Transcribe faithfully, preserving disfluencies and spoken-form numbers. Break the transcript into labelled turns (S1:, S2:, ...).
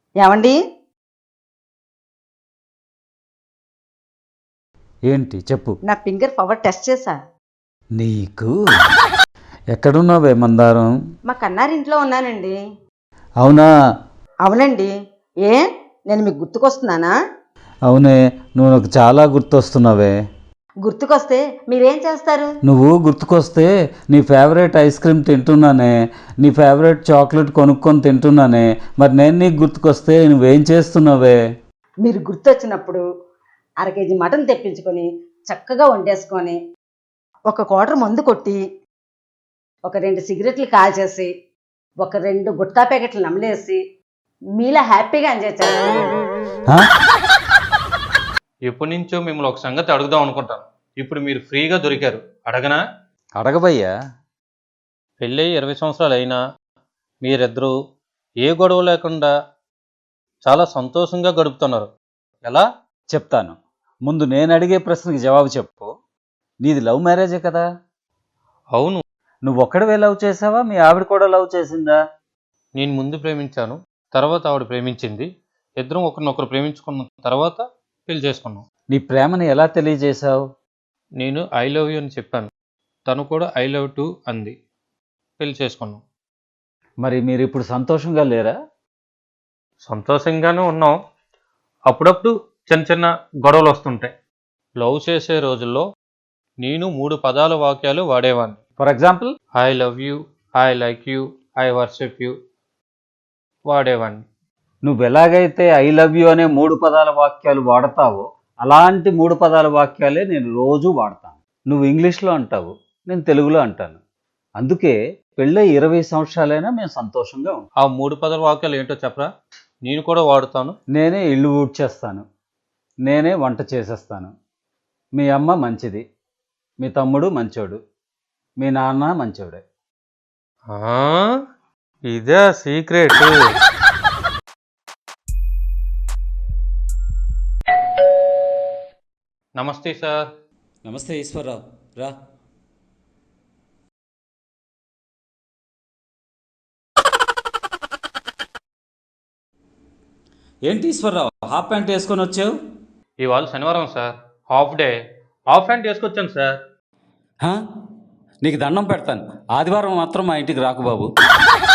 S1: ఏమండి?
S2: ఏంటి చెప్పు.
S1: నా ఫింగర్ పవర్ టెస్ట్ చేశా.
S2: నీకు ఎక్కడున్నావే మందారం?
S1: మా కన్నారింట్లో ఉన్నానండి.
S2: అవునా?
S1: అవునండి. ఏ నేను మీకు గుర్తుకొస్తున్నానా?
S2: అవునే, నువ్వు నాకు చాలా గుర్తొస్తున్నావే.
S1: గుర్తుకొస్తే మీరేం చేస్తారు?
S2: నువ్వు గుర్తుకొస్తే నీ ఫేవరెట్ ఐస్ క్రీమ్ తింటున్నానే, నీ ఫేవరెట్ చాక్లెట్ కొనుక్కొని తింటున్నానే. మరి నేను నీకు గుర్తుకొస్తే నువ్వేం చేస్తున్నావే?
S1: మీరు గుర్తొచ్చినప్పుడు అర కేజీ మటన్ తెప్పించుకొని చక్కగా వండేసుకొని ఒక క్వార్టర్ మందు కొట్టి ఒక రెండు సిగరెట్లు కాల్చేసి ఒక రెండు గుట్కా ప్యాకెట్లు నమిలేసి మీలా హ్యాపీగా ఎంజాయ్ చేస్తాను.
S2: హా?
S3: ఎప్పటి నుంచో మిమ్మల్ని ఒక సంగతి అడుగుదాం అనుకుంటాను. ఇప్పుడు మీరు ఫ్రీగా దొరికారు, అడగనా?
S2: అడగబయ్యా.
S3: పెళ్ళయి ఇరవై సంవత్సరాలు అయినా మీరిద్దరూ ఏ గొడవ లేకుండా చాలా సంతోషంగా గడుపుతున్నారు. ఎలా?
S2: చెప్తాను. ముందు నేను అడిగే ప్రశ్నకి జవాబు చెప్పు. నీది లవ్ మ్యారేజే కదా?
S3: అవును.
S2: నువ్వు ఒక్కడివే లవ్ చేసావా, మీ ఆవిడ కూడా లవ్ చేసిందా?
S3: నేను ముందు ప్రేమించాను, తర్వాత ఆవిడ ప్రేమించింది. ఇద్దరం ఒకరినొకరు ప్రేమించుకున్న తర్వాత పెళ్లి చేసుకున్నాం.
S2: నీ ప్రేమని ఎలా తెలియజేశావు?
S3: నేను ఐ లవ్ యూ అని చెప్పాను, తను కూడా ఐ లవ్ టు అంది. పెళ్లి చేసుకున్నాం.
S2: మరి మీరు ఇప్పుడు సంతోషంగా లేరా?
S3: సంతోషంగానే ఉన్నాం. అప్పుడప్పుడు చిన్న చిన్న గొడవలు వస్తుంటాయి. లవ్ చేసే రోజుల్లో నేను మూడు పదాల వాక్యాలు వాడేవాడిని.
S2: For example?
S3: I love you, I like you, I worship you వాడేవాడిని.
S2: నువ్వు ఎలాగైతే ఐ లవ్ యూ అనే మూడు పదాల వాక్యాలు వాడతావో అలాంటి మూడు పదాల వాక్యాలే నేను రోజు వాడతాను. నువ్వు ఇంగ్లీష్లో అంటావు, నేను తెలుగులో అంటాను. అందుకే పెళ్ళై ఇరవై సంవత్సరాలైనా మేము సంతోషంగా ఉంటాం.
S3: ఆ మూడు పదాల వాక్యాలు ఏంటో చెప్పరా? నేను కూడా వాడుతాను.
S2: నేనే ఇల్లు ఊడ్చేస్తాను, నేనే వంట చేసేస్తాను, మీ అమ్మ మంచిది, మీ తమ్ముడు మంచోడు, మీ నాన్న మంచోడే.
S3: ఇదే సీక్రెట్. నమస్తే సార్.
S2: నమస్తే ఈశ్వరరావు, రా. ఏంటి ఈశ్వరరావు, హాఫ్ ప్యాంట్ వేసుకొని వచ్చావు?
S3: ఇవాళ శనివారం సార్, హాఫ్ డే. హాఫ్ ప్యాంట్ వేసుకొచ్చాను సార్.
S2: నీకు దండం పెడతాను, ఆదివారం మాత్రం మా ఇంటికి రాకు బాబు.